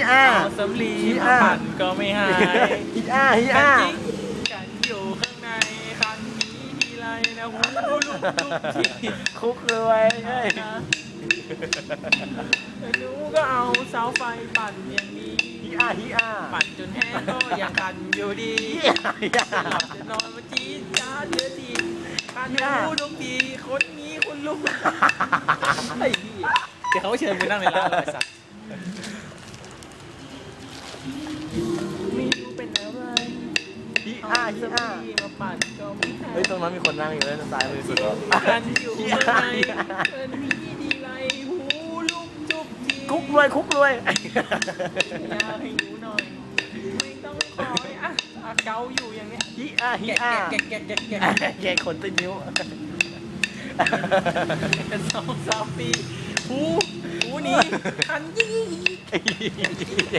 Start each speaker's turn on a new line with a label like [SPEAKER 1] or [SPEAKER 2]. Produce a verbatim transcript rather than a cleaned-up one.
[SPEAKER 1] อา
[SPEAKER 2] เอาสำลีมาปั่นก็ไม่หาย
[SPEAKER 1] ฮีอาฮี
[SPEAKER 2] กั
[SPEAKER 1] อาน
[SPEAKER 2] จริงกันอยู่ข้างในคันนี้ทีไรนะหูลุกลุกที่
[SPEAKER 1] คุกเลยเฮ้ย
[SPEAKER 2] นะหนูก็เอาเสาไฟปั่นอย่างนี้
[SPEAKER 1] ฮีอาฮีอา
[SPEAKER 2] ปั่นจนแห้งก็ยังคันอยู่ดี
[SPEAKER 1] ฮีอาฮีอา
[SPEAKER 2] หลับจะนอนมาจี๊ดจ้าดเดือดทีคันหูทุกทีคนนี้คุณลุงไอ้พี่เดี๋ยวเขาเชิญไปนั่งในร้านเลยสัตว์ไม่รู้เป็นอะไร
[SPEAKER 1] ฮี
[SPEAKER 2] เอา
[SPEAKER 1] อาฮี
[SPEAKER 2] ส
[SPEAKER 1] อา
[SPEAKER 2] บีมาปั่นก็ไม่ทัน
[SPEAKER 1] เฮ้ยตรงนั้นมีคนนั่งอยู่เลยซ้ายมือสุดแล้ว
[SPEAKER 2] กันอยู่ข้างในเอินมีดีไรหูลุกจุกที
[SPEAKER 1] คุกรวยคุกรวย
[SPEAKER 2] อยากให้หนูหน่อย ไม่ต้องคอยอ่ะอ่ะเกาอยู่อย่างเนี้ย
[SPEAKER 1] ฮีอาฮี
[SPEAKER 2] แกะ
[SPEAKER 1] อา
[SPEAKER 2] แกะแกะแกะแกะ
[SPEAKER 1] แกขนติดนิ้ว
[SPEAKER 2] เป็นสองสามปีหูหูหนี้คันยี่